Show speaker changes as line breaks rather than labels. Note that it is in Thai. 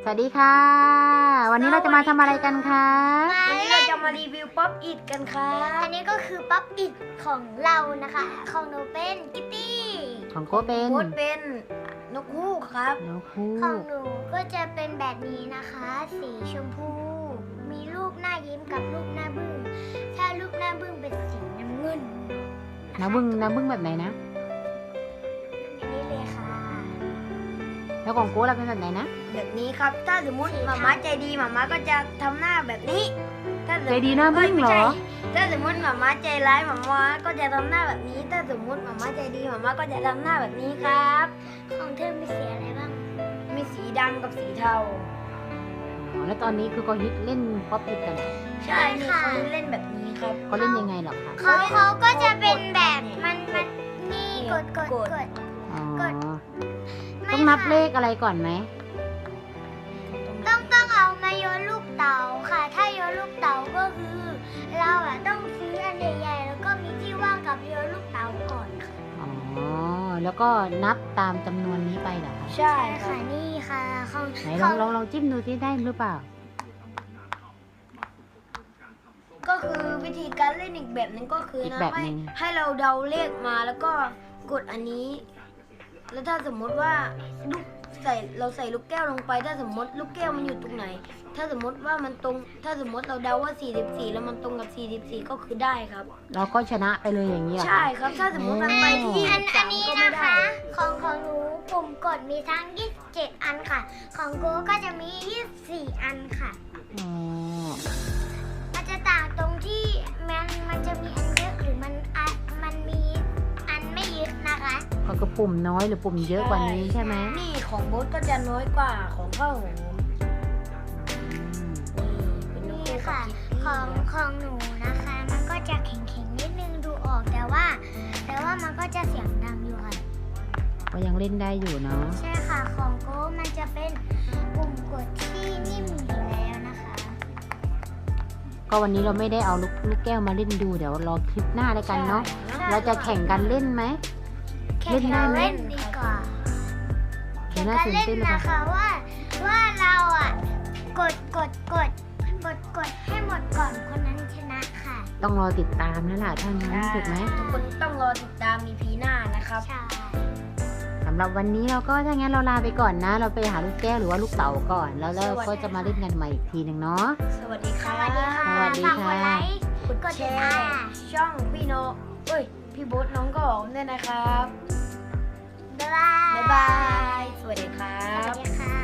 สวัสดีค่ะ วันนี้เราจะมาทำอะไรกันคะ
วันนี้เราจะมารีวิวป๊อปอิดกันครับ
อันนี้ก็คือป๊อปอิดของเรานะคะ ของหนูเป็นกิตตี้
ของโก้เป็น
โค้ดเป็นนกฮูกครับ
นกฮู
ของ
ก
หนูก็จะเป็นแบบนี้นะคะ สีชมพู มีรูปหน้ายิ้มกับรูปหน้าบึ้ง ถ้ารูปหน้าบึ้งเป็นสีน้ำเงิน
น้ำบึ้งแบบไหนนะ
อันนี้เลยค่ะ
แล้วของโก้เราเป็นแบบไหนนะ
แบบนี้ครับ ถ้าสมมติหมาม้าใจดีหมาม้าก็จะทำหน้าแบบนี้ถ้าสม
ใจ
มุติ
ดีหน้าบึ้งเหรอ
ถ้าสมมติหมาม้าใจร้ายหมาม้าก็จะทำหน้าแบบนี้ ถ้าสมมติหมาม้าใจดีหมาม้าก็จะทำหน้าแบบนี้ครับ
ของเธอมีสีอะไรบ้าง
มีสีดำกับสีเทา
อ๋อแล้วตอนนี้คือเขาฮิตเล่นป๊อปอิดกัน
ใช่นี่เขาเล่นแบบนี้ครับ
เขาเล่นยังไงเหรอคะ
เขาก็จะเป็นแบบมันนี่กด
อ๋อ
ไม่
ต้องนับ
ค่ะ
เลขอะไรก่อนไหม
ต้องเอามาโยนลูกเต๋าค่ะ ถ้าโยนลูกเต๋าก็คือ เราต้องซื้ออันใหญ่ๆแล้วก็มีที่ว่างกับโยนลูกเต๋าก่อนค่ะ
อ๋อแล้วก็นับตามจำนวนนี้ไปเหรอคะ
ใช่ครั
ค่ะ
บ
นี่ค่ะของ
ไหนลองจิ้มดูที่ได้หรือเปล่า
ก็คือวิธีการเล่นอีกแบบหนึงก็คือ
อีก
นะ
แบบหนึ่ง
ให้เราเดาเลขมาแล้วก็กดอันนี้ แล้วถ้าสมมติว่าเราใส่ลูกแก้วลงไป ถ้าสมมติลูกแก้วมันอยู่ตรงไหน ถ้าสมมติว่ามันตรง ถ้าสมมติเราเดาว่า 44 แล้วมันตรงกับ 44 ก็คือได้ครับ
เราก็ชนะไปเลยอย่างนี้เหรอคะ
ใช่ครับ ถ้าสมมติมันไปที่
อัน
23
นี้
ก็ไม่
นะ
ได้
คะ ของหนูปุ่มกดมีทั้ง 27 อันค่ะ ของโกก็จะมี 24 อันค่ะ
อ๋อ
มันจะต่างตรงที่มันจะมีอันเยอะหรือมันมีอันไม่เยอะนะคะ
ก็คือปุ่มน้อยหรือปุ่มเยอะกว่านี้ใช่ไหม
นี่ของโบ๊ทก็จะน้อยกว่าของข้าวหอม
อืม
เป็นนก
นี่
ฮูกกับ
ค่ะ
คิตตี้
ของหนูนะคะ มันก็จะแข็งๆนิดนึงดูออกแต่ว่ามันก็จะเสียงดังอยู่ค่ะ
ก็ยังเล่นได้อยู่เนาะ
ใช่ค่ะ ของโก้มันจะเป็นปุ่มกดที่นิ่มอยู่แล้วนะคะ
ก็วันนี้เราไม่ได้เอาลูกแก้วมาเล่นดูเดี๋ยวรอคลิปหน้าแล้วกันเนาะ
ใช่
เราจะแข่งกันเล่นไหม
แข่
เล่
ง
นได้
กัน
ไหม
เล่นดีกว่า
เดี๋
แข่
ยว
ง
น่า
กัน
ตื่น
เล่น
เต้นเลย
นะ
ค่ะ
คะว่าเรากดให้หมดก่อนคนนั้นชนะค่ะ
ต้องรอติดตามนั่นแหละถ้างั้นถูกไหม
ทุกคนต้องรอติดตาม EP หน้านะครับ
ใช่
สำหรับวันนี้เราก็ถ้างั้นเราลาไปก่อนนะ เราไปหาลูกแก้วหรือว่าลูกเต๋าก่อน แล้วเราก็จะมาเล่นกันใหม่อีกทีหนึ่งเนาะ
สวัสดีค
ส
รับ
วัสดีค่ะ
สวัสดี
ฝากกด
ค่ะ
ไลค์
กด
กด
แช
ติด
ร์
ตาม
ช่องพี่โนเอ้ย พี่โบ๊ทน้องก็หอมด้วยนะครับ
บ๊ายบาย
บ๊ายบาย สวัสดีครั
สวั
บ
สดีค่ะ